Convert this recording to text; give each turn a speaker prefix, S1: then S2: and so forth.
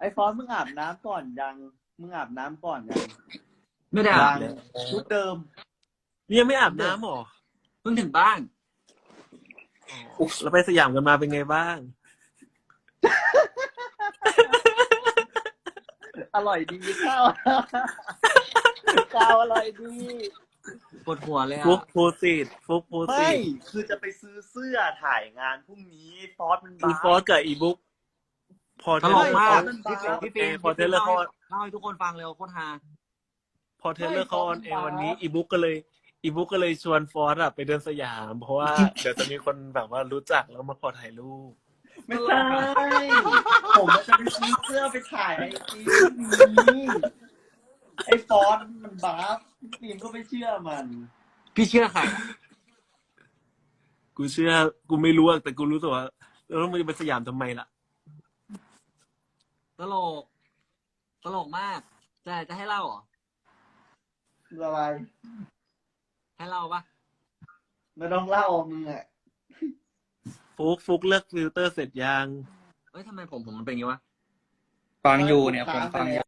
S1: ไอ้ฟอนต์มึงอาบน้ำก่อนยังมึงอาบน้ำก่อนยัง
S2: ไม่ได้อาบ
S1: ยังชุดเดิม
S3: นี่ยังไม่อาบน้ำหรอ
S2: เพิ่งถึงบ้าน
S3: เราไปสยามกันมาเป็นไงบ้าง
S1: อร่อยดีข้าวข้าวอร่อยดี
S2: ปวดหัวเลย
S3: ฟุก
S2: อ่ะ
S3: โพสิตฟุกโพสิ
S1: ไม่
S3: ต
S1: คือจะไปซื้อเสื้อถ่ายงานพรุ่งนี้ฟอสมัน
S3: คือ
S1: บ้า
S3: ฟอสกับอีบุ๊กพอ
S2: ต
S3: เท
S2: ล
S3: เลอก ร์
S2: มาก
S1: มัน
S2: พี่
S1: บ้า
S2: ฟิล์ม
S3: พอเทเลอร์เขา
S2: เล่าให้ทุกคนฟังเร็วโคตรฮา
S3: พอเทเลอร์เขาออนแอร์วันนี้อีบุ๊กก็เลยชวนฟอสอะไปเดินสยาม เพราะว่าเดี๋ยวจะมีคนแบบว่ารู้จักแล้วมาขอถ่ายรูป
S1: ไม่ใช่ผมจะไปซื้อเสื้อไปถ่ายไอจีนี้ไอ้ฟอสมันบ้าฟิล์มก็ไม่เชื่อมัน
S2: พี่เชื่อใคร
S3: กูเชื่อกูไม่รู้อะแต่กูรู้ตัวว่าเราต้องไปสยามทำไมล่ะ
S2: ตลก ตลกมากจะให้เล่าเหรอ
S1: อะไร
S2: ให้เล่าปะ
S1: ไม่ต้องเล่ามึงอ่ะ
S3: ฟุกเลือกฟิลเตอร์เสร็จยัง
S2: เอ้ยทำไมผมมันเป็นอย่างงี้วะ
S4: ฟังอยู่เนี่ยผมฟังอยู่